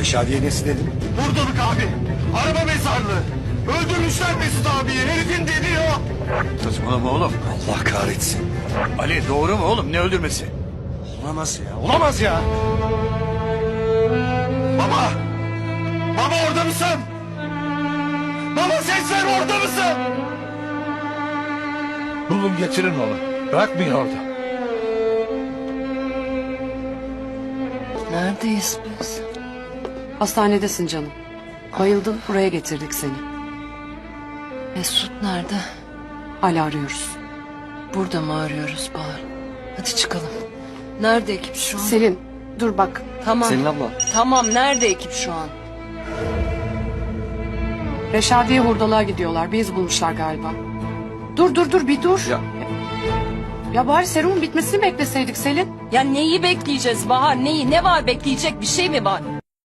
Reşadiye nesi dedin? Buradalık abi. Araba mezarlığı. Öldürmüşler Mesut abiyi. Herifin dediği o. Saçmalama oğlum. Allah kahretsin. Ali doğru mu oğlum, ne öldürmesi? Olamaz ya. Olamaz ya. Baba. Baba orada mısın? Baba ses ver, orada mısın? Bulun getirin onu. Bırakmayın orada. Neredeyiz biz? Hastanedesin canım. Bayıldın, buraya getirdik seni. Mesut nerede? Hala arıyoruz. Burada mı arıyoruz Bahar? Hadi çıkalım. Nerede ekip şu an? Selin, dur bak. Tamam. Selin abla. Tamam, nerede ekip şu an? Reşadiye hurdalığa gidiyorlar. Bir iz bulmuşlar galiba. Dur bir dur. Ya bari serumun bitmesini bekleseydik Selin. Ya neyi bekleyeceğiz Bahar? Neyi? Ne var, bekleyecek bir şey mi var?